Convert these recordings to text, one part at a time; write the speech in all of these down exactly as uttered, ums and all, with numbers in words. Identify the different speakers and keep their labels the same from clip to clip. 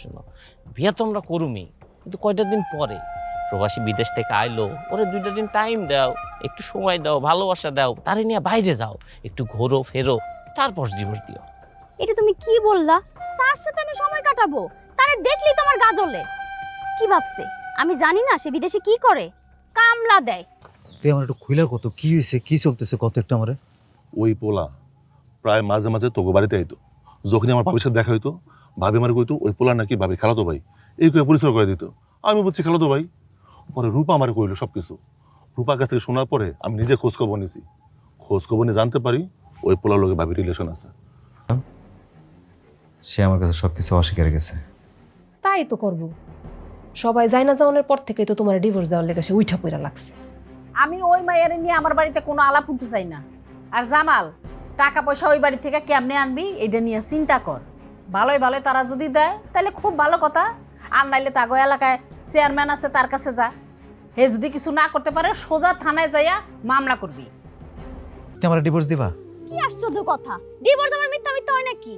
Speaker 1: শোনো, বিয়া তো আমরা করুমি, কিন্তু কয়টা দিন পরে প্রবাসী বিদেশ থেকে আইলো, ওরে দুইটা দিন টাইম দাও, একটু সময় দাও, ভালোবাসা দাও, তারে নিয়ে বাইরে যাও, একটু ঘোরো ফেরো, তারপর ডিভোর্স দিও।
Speaker 2: এটা তুমি কি বললা? তার সাথে আমি সময় কাটাবো? তারে দেখলেই তোমার গা জ্বলে। কি ভাবছে আমি জানি না সে বিদেশে কি করে? কামলা দেয়।
Speaker 3: তুই আমার একটু খুইলা কত কি হয়েছে, কি চলতেছে কত একটু আমারে।
Speaker 4: ওই পোলা প্রায় মাঝে মাঝে তোকে বাড়িতে আইতো, যখনই আমার ভাবির সাথে দেখা হইতো ভাবি আমার কইতো ওই পোলা নাকি ভাবি খালাতো ভাই, এই করে পরিচয় করে দিত। আমি বলছি খালাতো ভাই। পরে রূপা আমার কইলো সব কিছু। রূপার কাছ থেকে শোনার পরে আমি নিজে খোঁজ খবর নিয়েছি, খোঁজ খবর নিয়ে জানতে পারি ওই পোলার লোকে ভাবির রিলেশন আছে।
Speaker 3: সে আমার কাছে সবকিছু অস্বীকার গেছে।
Speaker 5: তাই তো করবো, সবাই যায় না যাওয়ানোর পর থেকে তো তোমার ডিভোর্স দেওয়ার লেগে সে উঠা পড়া লাগছে।
Speaker 6: আমি ওই মায়ের নিয়ে আমার বাড়িতে কোনো আলাপ শুনতে চাই না। আর জামাল, টাকা পয়সা ওই বাড়ি থেকে কেমনে আনবি এটা নিয়ে চিন্তা কর। ভালোই ভালোই তারা যদি দেয় তাহলে খুব ভালো কথা, আর নাইলে তাগো এলাকায় চেয়ারম্যান আছে তার কাছে যা। হে যদি কিছু না করতে পারে সোজা থানায় যাইয়া মামলা করবি।
Speaker 3: তুই আমার ডিভোর্স দিবা?
Speaker 2: কি আশ্চর্য কথা! ডিভোর্স আমার মিথ্যা মিথ্যা হয় নাকি?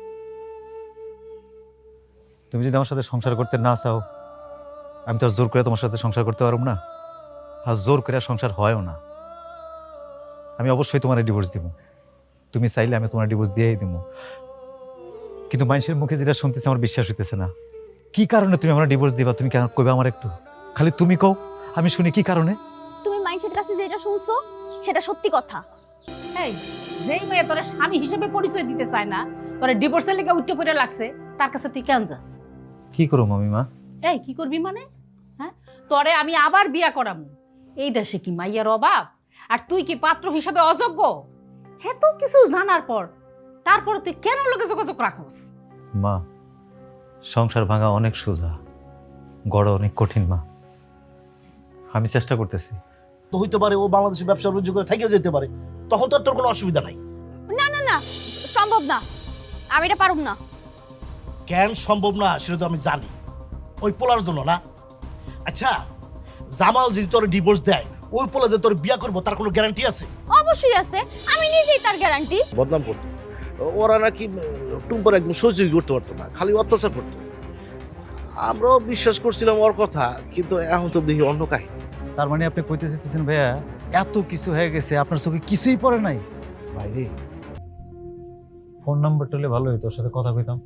Speaker 3: তুমি যদি আমার সাথে সংসার করতে না চাও, আমি তো আর জোর করে তোমার সাথে সংসার করতে পারবো না, আর জোর করে সংসার হয়ও না। আমি অবশ্যই তোমার ডিভোর্স দিব। তুমি চাইলে আমি তোমার ডিভোর্স দিয়েই দিব, কিন্তু মানুষের মুখে যেটা শুনতেছে আমার বিশ্বাস হইতেছে না। কি কারণে তুমি আমার ডিভোর্স দিবা? তুমি কেন কইবা আমার একটু? খালি তুমি কও, আমি শুনি কি কারণে।
Speaker 2: তুমি মানুষের কাছে যেটা শুনছো সেটা সত্যি কথা।
Speaker 6: এই যেই মেয়ে তোরা স্বামী হিসেবে পরিচয় দিতে চায় না, তোরা ডিভোর্সের লেগে উচ্চ করে লাগছে, তার কাছে তুই কেন যাস?
Speaker 3: কি করো মামিমা?
Speaker 6: এই কি করবি মানে? হ্যাঁ, তোরে আমি আবার বিয়া করামু। এই দেশে কি মাইয়ার অভাব? আর তুই কি পাত্র হিসাবে অযোগ্য? এত কিছু জানার পর তারপর তুই কেন লোকে যোগাযোগ রাখোস?
Speaker 3: মা, সংসার ভাঙা অনেক সোজা, গড়া অনেক কঠিন মা। আমি চেষ্টা করতেছি।
Speaker 7: তো হইতে পারে ও বাংলাদেশে ব্যবসা বাণিজ্য করে থেকে যেতে পারে, তখন তো আর তোর কোনো অসুবিধা নাই।
Speaker 2: না না না, সম্ভব না, আমি এটা পারব না।
Speaker 7: কেন সম্ভব না সেটা তো আমি জানি, ওই পোলার জন্য না। আচ্ছা, জামাল যদি তোর ডিভোর্স দেয়, ওই পোলা যে তোর বিয়া করবো তার কোনো গ্যারান্টি আছে?
Speaker 2: অবশ্যই আছে, আমি নিজেই তার গ্যারান্টি।
Speaker 8: বদনাম করতো, ওরা নাকি টুম্পার একদম সহ্যই করতে পারতো না, খালি অত্যাচার করতো। আমরাও বিশ্বাস করছিলাম ওর কথা, কিন্তু এখন তো দেখি অন্য কাহিনী।
Speaker 3: তার মানে আপনি কইতে চাইতেছেন ভাইয়া এত কিছু হয়ে গেছে, আপনার চোখে কিছুই পড়ে নাই?
Speaker 7: ভাইরে,
Speaker 3: ফোন নাম্বারটা হলে ভালো হতো, ওর সাথে কথা কইতাম।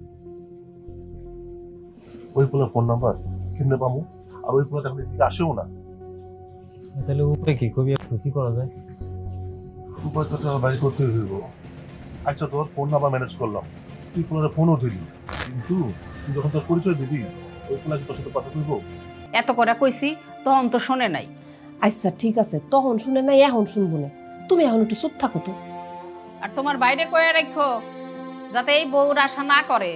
Speaker 4: ওই পোলার ফোন নাম্বার কিনে পাবো, আর ওই পোলা এখন এদিকে আসেও না।
Speaker 3: তাহলে উপায় কি, কবি একটু কি করা যায়?
Speaker 4: উপায় তো আমার বাড়ি করতে হইব। আচ্ছা, তোর ফোন নাম্বার ম্যানেজ করলাম, তুই পোলারে ফোনও দিলি, কিন্তু তুই যখন তোর পরিচয় দিবি ওই পোলা কি তোর সাথে কথা কইব?
Speaker 6: এত করে কইছি তখন তো শোনে নাই।
Speaker 5: আচ্ছা ঠিক আছে, তখন শুনে নাই, এখন শুনবো না। তুমি এখন একটু চুপ থাকো তো।
Speaker 6: আর তোমার বাইরে কয়ে রাখো যাতে এই বউর আশা না করে।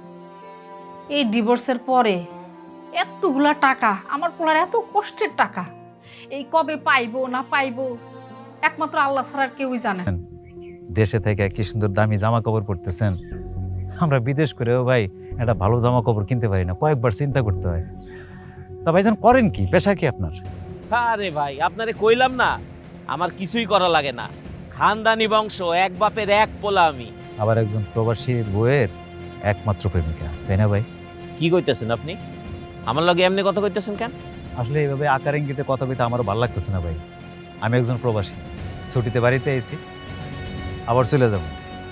Speaker 6: এই ডিভোর্সের পরে এতগুলা টাকা, আমার পোলার এত কষ্টের টাকা, এই কবে পাইবো না পাইবো একমাত্র আল্লাহ ছাড়া আর কেউই জানে।
Speaker 3: দেশে থেকে কি সুন্দর দামি জামা কাপড় পরতেছেন, আমরা বিদেশ করেও ভাই একটা ভালো জামা কাপড় কিনতে পারি না, কয়েকবার চিন্তা করতে হয়। তা ভাইজান করেন কি, পেশা কি আপনার?
Speaker 1: আরে ভাই, আপনারে কইলাম না আমার কিছুই করা লাগে না, খানদানি বংশ, এক বাপের এক পোলা আমি।
Speaker 3: আবার একজন প্রবাসী বউয়ের একমাত্র প্রেমিকা, তাই না ভাই?
Speaker 1: কি কইতেছেন আপনি? আমার লগে এমনি কথা কইতেছেন কেন?
Speaker 3: আসলে এইভাবে আকার ইঙ্গিতে কথা কইতে আমারও ভালো লাগতেছে না ভাই। আমি একজন প্রবাসী, ছুটিতে বাড়িতে এসেছি, আবার চলে যাব।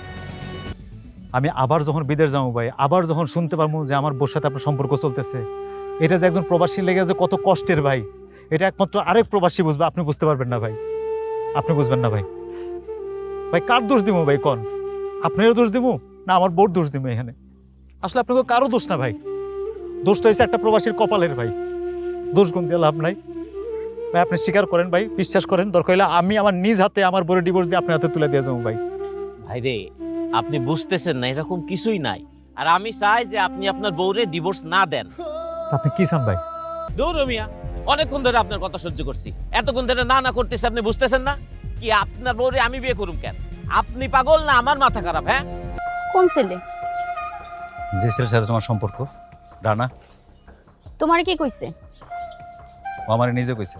Speaker 3: আমি আবার যখন বিদেশ যাবো ভাই, আবার যখন শুনতে পারবো যে আমার বউর সাথে আপনার সম্পর্ক চলতেছে, এটা যে একজন প্রবাসী লেগে যে কত কষ্টের ভাই, এটা একমাত্র আরেক প্রবাসী বুঝবে, আপনি বুঝতে পারবেন না ভাই, আপনি বুঝবেন না ভাই। ভাই কার দোষ দিব ভাই কন? আপনারও দোষ দিব না আমার বউর দোষ দিব? এখানে আসলে আপনাকে কারো দোষ না ভাই, দোষটা হয়েছে একটা প্রবাসীর কপালের ভাই। দোষ গুণ দিয়ে লাভ নাই ভাই, আপনি স্বীকার করেন ভাই, বিশ্বাস করেন, দরকার হলে আমি আমার নিজ হাতে আমার বউর ডিভোর্স দিয়ে আপনার হাতে তুলে দিয়ে যাবো ভাই।
Speaker 1: ভাই রে, আপনি বুঝতেছেন না, এরকম কিছুই নাই। আর আমি চাই যে আপনি আপনার বউরে ডিভোর্স না দেন।
Speaker 3: আপনি কি চান ভাই?
Speaker 1: দৌড় মিয়া, অনেকক্ষণ ধরে আপনার কথা সহ্য করছি, এতক্ষণ ধরে না না করতেছি, আপনি বুঝতেছেন না? কি আপনার বউরে আমি বিয়ে করুম কেন? আপনি পাগল না আমার মাথা খারাপ? হ্যাঁ,
Speaker 2: কোন ছেলে?
Speaker 3: যে ছেলের সাথে তোমার সম্পর্ক, রানা,
Speaker 2: তোমার কি কইছে?
Speaker 3: ও আমার নিজে কইছে।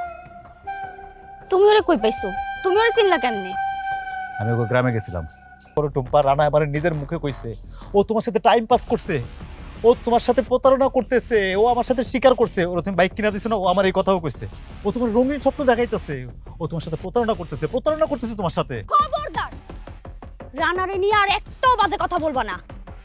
Speaker 2: তুমি ওরে কই পাইছো? তুমি ওরে চিনলা কেমনে?
Speaker 3: আমি ওকে গ্রামে গেছিলাম, করো টুম্পা, রানা এবারে নিজের মুখে কইছে ও তোমার সাথে টাইম পাস করছে, ও তোমার সাথে প্রতারণা করতেছে, ও আমার সাথে স্বীকার করছে। ওরা তুমি বাইক কিনা দিছো না, ও আমার এই কথাও কইছে। ও তোমার রঙিন স্বপ্ন দেখাইতেছে, ও তোমার সাথে প্রতারণা করতেছে, প্রতারণা করতেছে তোমার সাথে।
Speaker 2: খবরদার, রানারে নিয়ে আর একটাও বাজে কথা বলবা না।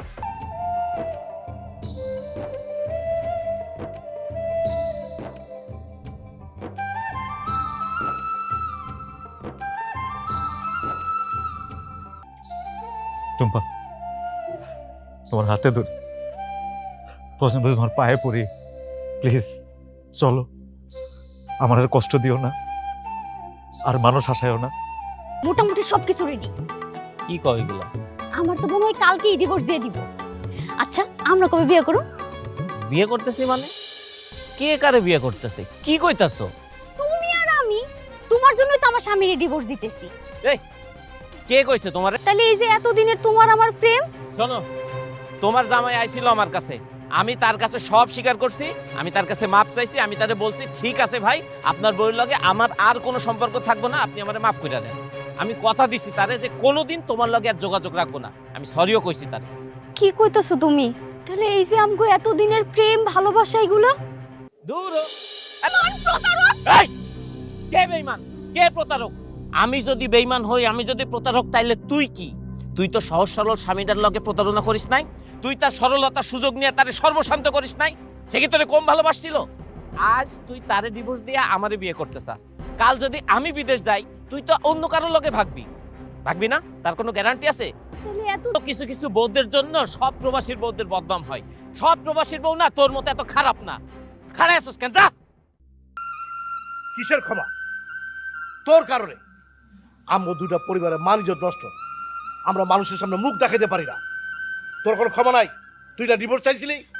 Speaker 3: টুম্পা, তোমার হাতে ধরে প্রশ্ন বুঝে তোমার পায়ে পড়ি, প্লিজ চলো, আমার আর কষ্ট দিও না, আর মানুষ হাসায়ও না।
Speaker 2: মোটামুটি সবকিছু রেডি।
Speaker 1: কি কয় এগুলা?
Speaker 2: আমার তো মনে হয় কালকেই ডিভোর্স দিয়ে দিব। আচ্ছা, আমরা কবে বিয়ে করব?
Speaker 1: বিয়ে করতেছি মানে? কে কারে বিয়ে করতেছে? কি কইতাছো?
Speaker 2: তুমি আর আমি। তোমার জন্যই তো আমার স্বামীর ডিভোর্স দিতেছি।
Speaker 1: এই, কে কইছে তোমারে?
Speaker 2: তাহলে এই যে এতদিনের তোমার আমার প্রেম,
Speaker 1: শোনো, তোমার জামাই আইছিল আমার কাছে, আমি তার কাছে সব স্বীকার করছি, আমি তার কাছে মাপ চাইছি, আমি তারে বলছি ঠিক আছে ভাই, আপনার বউয়ের লগে আমার আর কোনো সম্পর্ক থাকবো না, আপনি আমারে মাফ করে দেন। আমি কথা দিছি তারে যে কোনোদিন তোমার লগে আর যোগাযোগ রাখবো না, আমি সরিও কইছি তারে।
Speaker 2: কি কইতাছো তুমি? তাহলে এই যে আমগো এতদিনের প্রেম ভালোবাসা এগুলো
Speaker 1: দূর হ। এই, কে বেঈমান? কে প্রতারক? আমি যদি বেঈমান হই, আমি যদি প্রতারক, তাইলে তুই কি? তুই তো সহজ সরল স্বামীটার লগে প্রতারণা করিস নাই, তুই তার সরলতা সুযোগ নিয়ে তারে সর্বশান্ত করিস নাই, সে কি তোরে কম ভালোবাসছিল? আজ তুই তারে ডিভোর্স দিয়ে আমারে বিয়ে করতে চাস, কাল যদি আমি বিদেশ যাই তুই তো অন্য কারোর লগে ভাগবি, ভাগবি না? তার কোনো গ্যারান্টি আছে?
Speaker 2: তাহলে এত
Speaker 1: তো কিছু কিছু বউদের জন্য সব প্রবাসীর বউদের বদনাম হয়, সব প্রবাসীর বউ না তোর মতো এত খারাপ না। খারাপ আছিস কেন? যা।
Speaker 7: কিসের ক্ষমা? তোর কারণে আমরা দুইটা পরিবারের মান ইজ্জত নষ্ট, আমরা মানুষের সামনে মুখ দেখাতে পারি না। তোর কোনো ক্ষমা নাই? তুই না ডিভোর্স চাইছিলি,